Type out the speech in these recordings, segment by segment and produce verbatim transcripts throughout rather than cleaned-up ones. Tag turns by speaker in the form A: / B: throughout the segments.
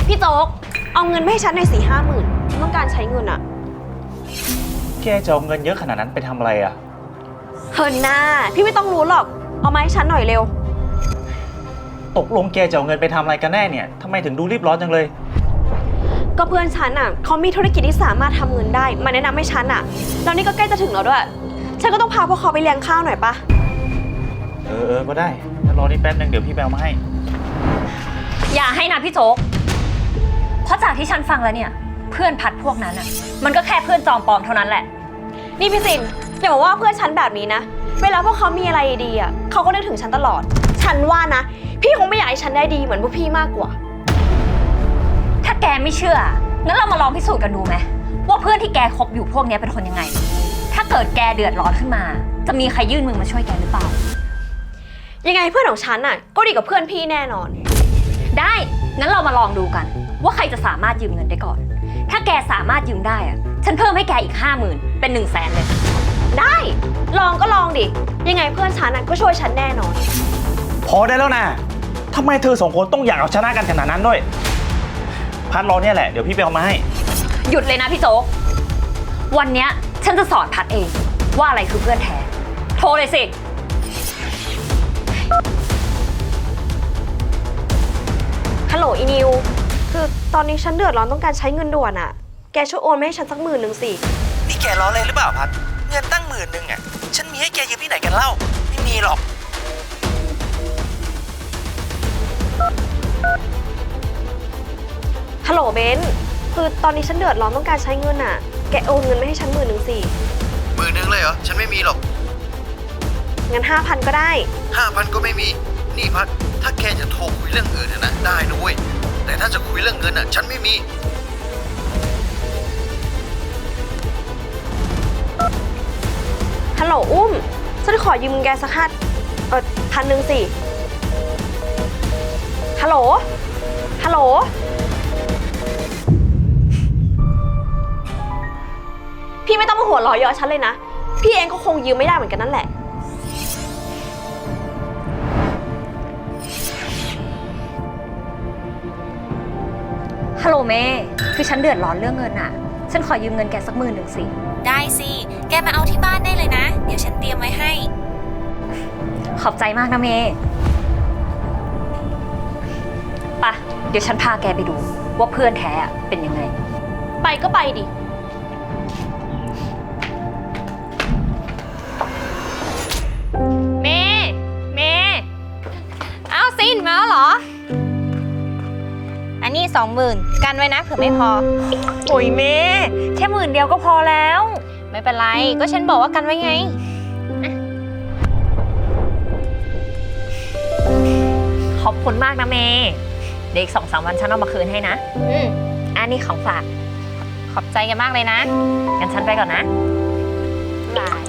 A: พี่โจ๊กเอาเงินมาให้ฉันหน่อยสี่ห้าหมื่นฉันต้องการใช้เงินอะ
B: แกจะเอาเงินเยอะขนาดนั้นไปทำอะไรอะ
A: เฮินหน้าพี่ไม่ต้องรู้หรอกเอามาให้ฉันหน่อยเร็ว
B: ตกลงแกจะเอาเงินไปทำอะไรกันแน่เนี่ยทำไมถึงดูรีบร้อนจังเลย
A: ก็เพื่อนฉันอะเขามีธุรกิจที่สามารถทำเงินได้มาแนะนำให้ฉันอะแล้วนี่ก็ใกล้จะถึงแล้วด้วยฉันก็ต้องพาพวกเขาไปเลี้ยงข้าวหน่อยปะ
B: เออเออก็ได้งั้นรอนี่แป๊บนึงเดี๋ยวพี่ไปเอามาให้
C: อย่าให้นะพี่โจ๊กเพราะจากที่ฉันฟังแล้วเนี่ยเพื่อนพัดพวกนั้นอ่ะมันก็แค่เพื่อนจอมปลอมเท่านั้นแหละ
A: นี่พี่สินอย่าบอกว่าเพื่อนฉันแบบนี้นะเวลาพวกเขามีอะไรดีอ่ะเขาก็นึกถึงฉันตลอดฉันว่านะพี่คงไม่อยากให้ฉันได้ดีเหมือนพวกพี่มากกว่า
C: ถ้าแกไม่เชื่องั้นเรามาลองพิสูจน์กันดูไหมว่าเพื่อนที่แกคบอยู่พวกนี้เป็นคนยังไงถ้าเกิดแกเดือดร้อนขึ้นมาจะมีใครยื่นมือมาช่วยแกหรือเปล่า
A: ยังไงเพื่อนของฉันอ่ะก็ดีกับเพื่อนพี่แน่นอน
C: ได้งั้นเรามาลองดูกันว่าใครจะสามารถยืมเงินได้ก่อนถ้าแกสามารถยืมได้อะฉันเพิ่มให้แกอีกห้าหมื่นเป็นหนึ่งแสนเลย
A: ได้ลองก็ลองดิยังไงเพื่อนฉันก็ช่วยฉันแน่นอน
B: พอได้แล้วนะทำไมเธอสองคนต้องอยากเอาชนะกันขนาดนั้นด้วยพัดรอเนี่ยแหละเดี๋ยวพี่ไปเอามาให้
C: หยุดเลยนะพี่โจ๊กวันเนี้ยฉันจะสอนพัดเองว่าอะไรคือเพื่อนแท้โทรเลยสิ
A: ฮัลโหลอีนิวคือตอนนี้ฉันเดือดร้อนต้องการใช้เงินด่วนอะแกช่วยโอนมาให้ฉันสักหมื่นหนึ่งสิ
D: นี่แกล้อเล่นหรือเปล่าพัดเงินตั้งหมื่นหนึ่งอะฉันมีให้แกยืมที่ไหนกันเล่าไม่มีหรอก
A: ฮัลโหลเบนคือตอนนี้ฉันเดือดร้อนต้องการใช้เงินอะแกโอนเงินมาให้ฉันหมื่นหนึ่งสิ
D: หมื่นหนึ่งเลยเหรอฉันไม่มีหรอก
A: งั้นห้าพันก็ได้
D: ห้าพันก็ไม่มีนี่พัดถ้าแกจะโทรคุยเรื่องอื่นนะได้นะเว้ยแต่ถ้าจะคุยเรื่องเงินอ่ะฉันไม่มี
A: ฮัลโหลอุ้มฉันขอยืมแกสักห้าเออพันหนึ่งสิฮัลโหลฮัลโหลพี่ไม่ต้องมาหัวเราะเยาะฉันเลยนะพี่เองก็คงยืมไม่ได้เหมือนกันนั่นแหละ
C: ฮัลโหลเมย์คือฉันเดือดร้อนเรื่องเงินอ่ะฉันขอยืมเงินแกสักหมื่นหนึ่งสิ
E: ได้สิแกมาเอาที่บ้านได้เลยนะเดี๋ยวฉันเตรียมไว้ให้
C: ขอบใจมากนะเมย์ปะเดี๋ยวฉันพาแกไปดูว่าเพื่อนแท้เป็นยังไง
A: ไปก็ไปดิ
C: เมย์เมย์อ้าวซินมาแล้วเหรอ
E: อันนี้สองหมื่นกันไว้นะเผื่อไม่พอ
C: โอ้ยเมย์แค่หมื่นเดียวก็พอแล้ว
E: ไม่เป็นไรก็ฉันบอกว่ากันไว้ไง
C: ขอบคุณมากนะเมย์เดี๋ยวอีกสองสามวันฉันเอามาคืนให้นะ
E: อืม
C: อันนี้ของฝาก
E: ขอบใจกันมากเลยนะ
C: งั้นฉันไปก่อนนะ
E: บาย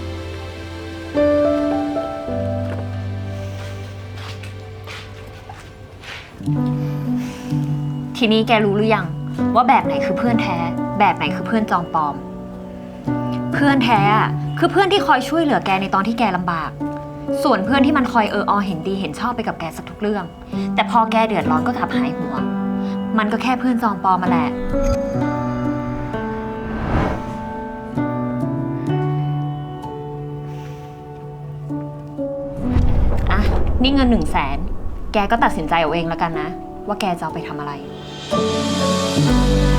C: ทีนี้แกรู้หรือยังว่าแบบไหนคือเพื่อนแท้แบบไหนคือเพื่อนจอมปลอมเพื่อนแท้อะคือเพื่อนที่คอยช่วยเหลือแกในตอนที่แกลำบากส่วนเพื่อนที่มันคอยเอออเห็นดีเห็นชอบไปกับแกสักทุกเรื่องแต่พอแกเดือดร้อนก็กลับหายหัวมันก็แค่เพื่อนจอมปลอมมาแหละอ่ะนี่เงินหนึ่งแสนแกก็ตัดสินใจเอาเองแล้วกันนะว่าแกจะเอาไปทำอะไร